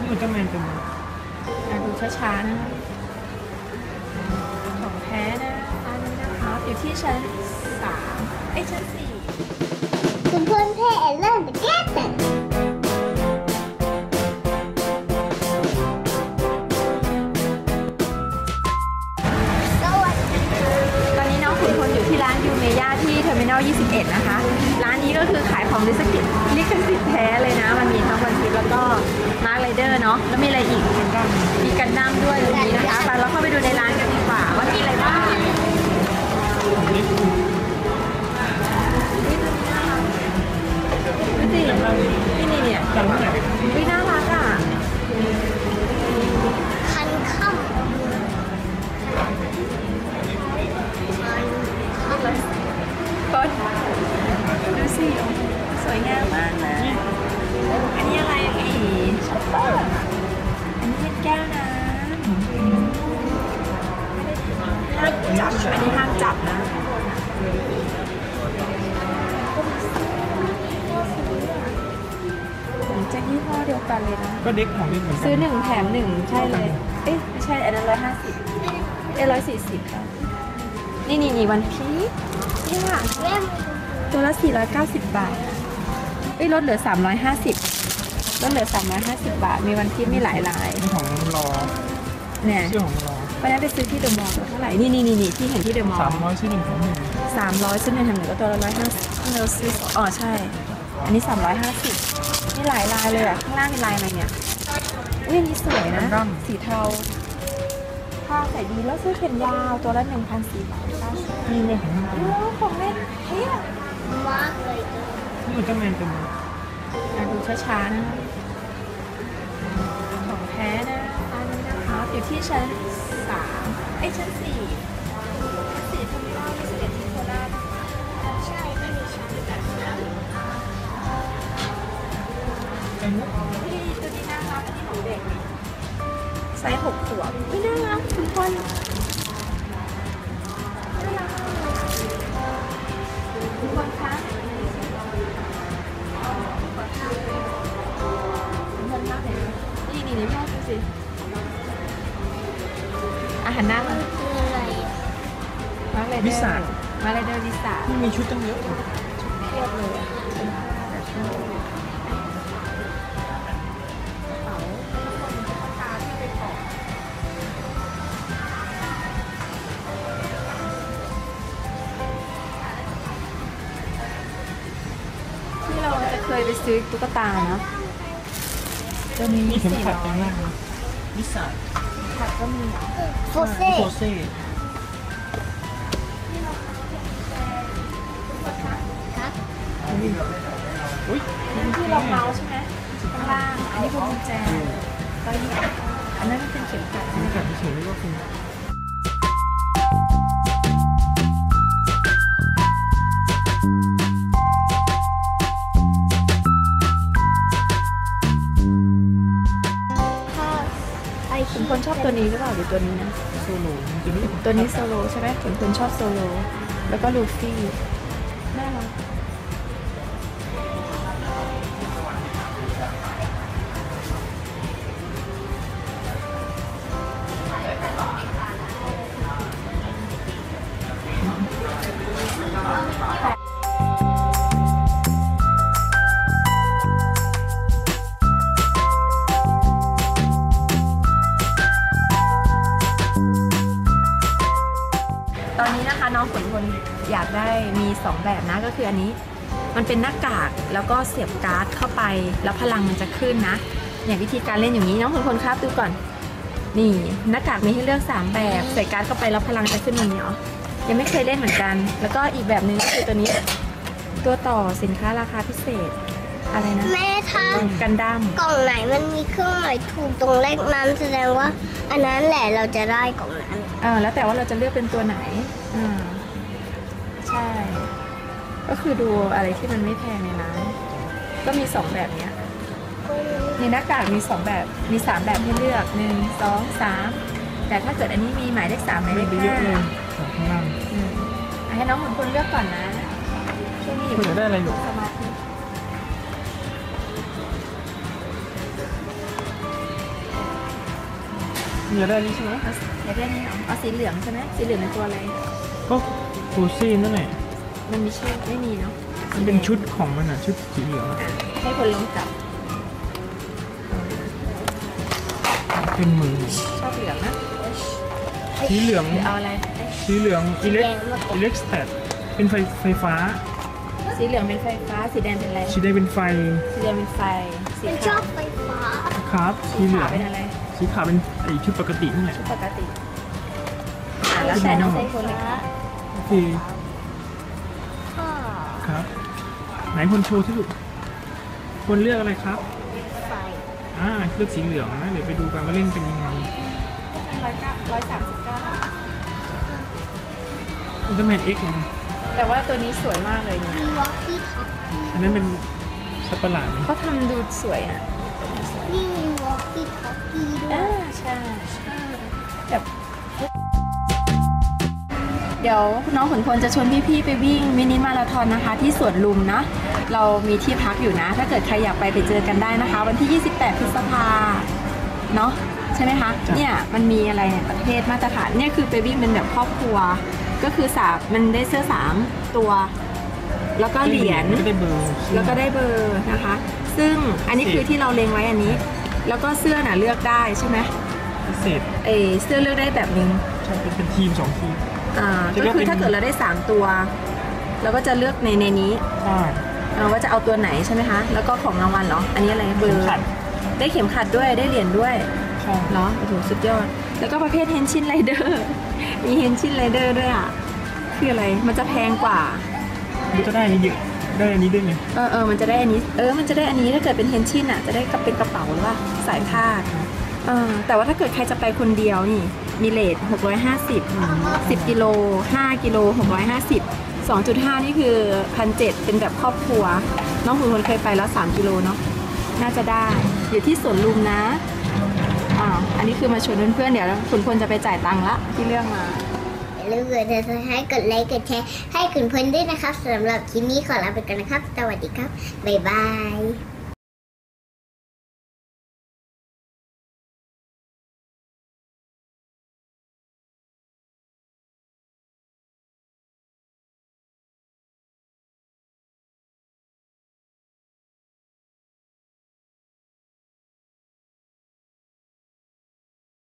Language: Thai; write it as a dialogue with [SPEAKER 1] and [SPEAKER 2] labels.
[SPEAKER 1] อุลตร้าแมนตัวนี้
[SPEAKER 2] ดูช้าๆนะคะของแท้นะอันนี้นะคะอยู่ที่ชั้น3ชั้น4
[SPEAKER 3] คุณเพื่อนเพ่เริ่มแก้แต่
[SPEAKER 2] ตอนนี้น้องขุนพลอยู่ที่ร้านยูเมย่าที่เทอร์มินอล 21 นะคะร้านนี้ก็คือขายของลิขสิทธิ์แท้เลยนะมันมีทั้งวันพีซแล้วก็มาร์คไรเดอร์เนาะแล้วมีอะไรอีกมีกันดั้มด้วยตรงนี้นะคะไปเราเข้าไปดูในร้านกันดีกว่าว่ามีอะไรบ้างดูสินี่เนี่ยวิน่ารักอ่ะ
[SPEAKER 3] คันค่ำ
[SPEAKER 2] ต้นดูสิสวยงามมากนะอันนี้อะไรอีกช็อปเปอร์อันนี้เป็นแก้วน้ำห้ามจับอันนี้ห้ามจับนะจะยี่ห้อเดียวกันเลยนะ
[SPEAKER 1] ก็เด็กของเล่นเหมือนกัน
[SPEAKER 2] ซื้อ1 แถม 1ใช่เลยไม่ใช่อันนั้น150 140ค่ะนี่วันพีชนี่ค่ะตัวละ490 บาทลดเหลือ350ลดเหลือ350 บาทมีวันพีชมีหลายลาย
[SPEAKER 1] นี่ของรอ
[SPEAKER 2] เนี่ย
[SPEAKER 1] ชื่อของรอ
[SPEAKER 2] ไปนั้นไปซื้อที่เดอะมอลล์เท่าไหร่นี่ที่เห็นที่เดอะมอลล์
[SPEAKER 1] 300ซื้อ1 แถม 1
[SPEAKER 2] 300ซื้อ1 แถม 1ก็ตัวละ150เราซื้อใช่อันนี้350มีหลายลายเลยอ่ะข้างล่างเป็นลายอะไรเนี่ยอันนี้สวยนะสีเทาผ้าใส่ดีแล้วซื้อแขนยาวตัวละ1,490
[SPEAKER 1] นี่เนี่ย
[SPEAKER 2] ของเล่นเฮ้ย
[SPEAKER 3] มากเลย
[SPEAKER 1] นี่อุลตร้าแมนตัวนี้
[SPEAKER 2] ดูช้าๆนะคะของแท้นะอันนี้นะคะอยู่ที่ชั้นชั้น4เทอร์มินอล 21ที่โคราช
[SPEAKER 3] ใช่ไม่มีชั้นแต่
[SPEAKER 2] นี่ตัวนี้น่ารักอันนี้ของเด็กไซส์6 ขวบไม่น่ารักทุกคนน่ารักทุกคนคะนี่พ่อดูสิอาหารหน้ามัน
[SPEAKER 3] คืออะไร
[SPEAKER 2] มาเลยวิสามาเลยเดอร์วิสา
[SPEAKER 1] ที่มีชุดตั้งเยอะ
[SPEAKER 2] เทียบเลยที่เราจะเคยไปซื้อตุ๊กตาเนาะ
[SPEAKER 1] ก็มีเข็มขัดตรงนั้นวิสา
[SPEAKER 2] ขัดก็มี
[SPEAKER 3] โฟเซ่ครับ
[SPEAKER 1] อุ้ย
[SPEAKER 2] ที่เราเมาส์ใช่ไหมข้างล่างอันนี้พวงกุญแจก็นี่อันนั้นเป็นเข็มขัด
[SPEAKER 1] เข็มขัดเฉยๆก็คือ
[SPEAKER 2] ขุนพลชอบตัวนี้หรือเปล่าหรือตัวนี้นะ
[SPEAKER 1] โซโล่
[SPEAKER 2] ตัวนี้โซโลใช่ไหมขุนพลชอบโซโลแล้วก็ลูฟี่น่ารักตอนนี้นะคะน้องขุนพลอยากได้มี2 แบบนะก็คืออันนี้มันเป็นหน้ากากแล้วก็เสียบการ์ดเข้าไปแล้วพลังมันจะขึ้นนะอย่างวิธีการเล่นอย่างนี้น้องขุนพลครับดูก่อนนี่หน้ากากมีให้เลือก3 แบบใส่การ์ดเข้าไปแล้วพลังจะขึ้นมันเนาะยังไม่เคยเล่นเหมือนกันแล้วก็อีกแบบนึงก็คือตัวนี้ตัวต่อสินค้าราคาพิเศษอะไรนะ
[SPEAKER 3] แม่ทำ
[SPEAKER 2] กันดั้ม
[SPEAKER 3] กล่องไหนมันมีเครื่องหมายถูกตรงเลขนั้นแสดงว่าอันนั้นแหละเราจะได้กล่องนั้น
[SPEAKER 2] แล้วแต่ว่าเราจะเลือกเป็นตัวไหนใช่ก็คือดูอะไรที่มันไม่แพงในร้านก็มี2 แบบเนี้ยในหน้ากากมี2 แบบมี3 แบบให้เลือก1 2 3แต่ถ้าเกิดอันนี้มีหมายเลข3หมายเลข5
[SPEAKER 1] ข้างล่าง
[SPEAKER 2] ให้น้องขุนพลเลือกก่อนนะช่วงนี้
[SPEAKER 1] คุณจะได้อะไรอยู่
[SPEAKER 2] สมาธิ
[SPEAKER 1] อยากได้นี่ใช่ไหม
[SPEAKER 2] อยากได้นี่เหรอเอาสีเหลืองใช่ไหมสีเหลืองเป็นตัวอะไร
[SPEAKER 1] ก็ฟูซี่นั่นแหละ
[SPEAKER 2] มันมีชื่อไม่มีเนาะ
[SPEAKER 1] มันเป็นชุดของมันอ่ะชุดสีเหลืองอะ
[SPEAKER 2] ให้คนลองจับ
[SPEAKER 1] เป็นมือ
[SPEAKER 2] ชอบเหลืองนะ
[SPEAKER 1] สีเหลือง
[SPEAKER 2] หรือเอาอะไร
[SPEAKER 1] สีเหลืองอิเล็กสแตทเป็นไฟฟ้า
[SPEAKER 2] สีเหลืองเป็นไฟฟ้าสีแดงเป็นอะไร
[SPEAKER 1] สีแดงเป็นไฟ
[SPEAKER 2] สีแดงเป็นไฟสี
[SPEAKER 3] ฉันช
[SPEAKER 2] ขา
[SPEAKER 3] อ
[SPEAKER 2] ว
[SPEAKER 3] บไฟฟ้า
[SPEAKER 1] ครับสี
[SPEAKER 2] สี
[SPEAKER 1] เหลื
[SPEAKER 2] ขา
[SPEAKER 1] อ
[SPEAKER 2] ว
[SPEAKER 1] ง
[SPEAKER 2] เป็นอะไร
[SPEAKER 1] สีขาวเป็นไอชุดปกตินั่นแหละ
[SPEAKER 2] ปกติแล้วแต่น้องใส่คนเลยค่ะ
[SPEAKER 1] โอเค
[SPEAKER 3] พ่อ
[SPEAKER 1] ครับ ไหนคนโชว์ที่สุดคนเลือกอะไรครับ
[SPEAKER 3] ไฟ
[SPEAKER 1] เลือกสีเหลืองนะเดี๋ยวไปดูกันว่าเล่นเป็นยังไง
[SPEAKER 2] 139
[SPEAKER 1] อุลตร้าแมน X นะ
[SPEAKER 2] แต่ว่าตัวนี้สวยมากเลยเนี่ย
[SPEAKER 3] มีวอลกี้ท็อป
[SPEAKER 1] อันนั้นเป็นสัตว์ประหลาดไหม
[SPEAKER 2] เขาทำดูสวยอ่ะ
[SPEAKER 3] นี่มีวอลกี้ท็อปปี้ด้วย
[SPEAKER 2] ใช่แบบเดี๋ยวน้องขุนพลจะชวนพี่ๆไปวิ่งมินิมาราธอนนะคะ ที่สวนลุมนะ เรามีที่พักอยู่นะ ถ้าเกิดใครอยากไปเจอกันได้นะคะ วันที่ 28 พฤษภาเนาะใช่ไหมคะ เนี่ยมันมีอะไรเนี่ยประเภทมาตรฐานเนี่ยคือไปวิ่งเป็นแบบครอบครัว ก็คือมันได้เสื้อ3ตัว แล้วก็เหรียญ
[SPEAKER 1] ก็ได้เบอร์
[SPEAKER 2] แล้วก็ได้เบอร์นะคะ ซึ่งอันนี้คือที่เราเล็งไว้อันนี้ แล้วก็เสื้อน่ะเลือกได้ใช่ไหม
[SPEAKER 1] พิเศษ
[SPEAKER 2] เสื้อเลือกได้แบบนึง
[SPEAKER 1] ใช่เป็นทีม2 ทีม
[SPEAKER 2] ก็คือถ้าเกิดเราได้3ตัวเราก็จะเลือกในนี้
[SPEAKER 1] ใช่
[SPEAKER 2] ว่าจะเอาตัวไหนใช่ไหมคะ แล้วก็ของรางวัลเหรอ อันนี้อะไรเบอร์
[SPEAKER 1] ขัด
[SPEAKER 2] ได้เข็มขัดด้วยได้เหรียญด้วย
[SPEAKER 1] ใช่
[SPEAKER 2] เหรอโอ้โหสุดยอด แล้วก็ประเภทเฮนชินไรเดอร์มีเฮนชินไรเดอร์ด้วยอ่ะคืออะไรมันจะแพงกว่า
[SPEAKER 1] มันจะได้อันนี้เยอะได้อันนี้ด้วยไง
[SPEAKER 2] มันจะได้อันนี้มันจะได้อันนี้ถ้าเกิดเป็นเฮนชินอ่ะจะได้กับเป็นกระเป๋าหรือว่าสายคาดแต่ว่าถ้าเกิดใครจะไปคนเดียวนี่มีเลท650 10 กิโล 5 กิโล 650 2.5 นี่คือ 1,700 เป็นแบบครอบครัว น้องขุนพลเคยไปแล้ว 3 กิโลเนาะน่าจะได้ อยู่ที่สวนลุมนะอันนี้คือมาชวนเพื่อนๆเดี๋ยวขุนพลจะไปจ่ายตังค์ละที่เรื่องมา
[SPEAKER 3] อย่าลืมกดติดตามให้กดไลค์กดแชร์ให้คุณเพื่อนด้วยนะครับสำหรับคลิปนี้ขอลาไปก่อนนะครับ สวัสดีครับ บ๊ายบาย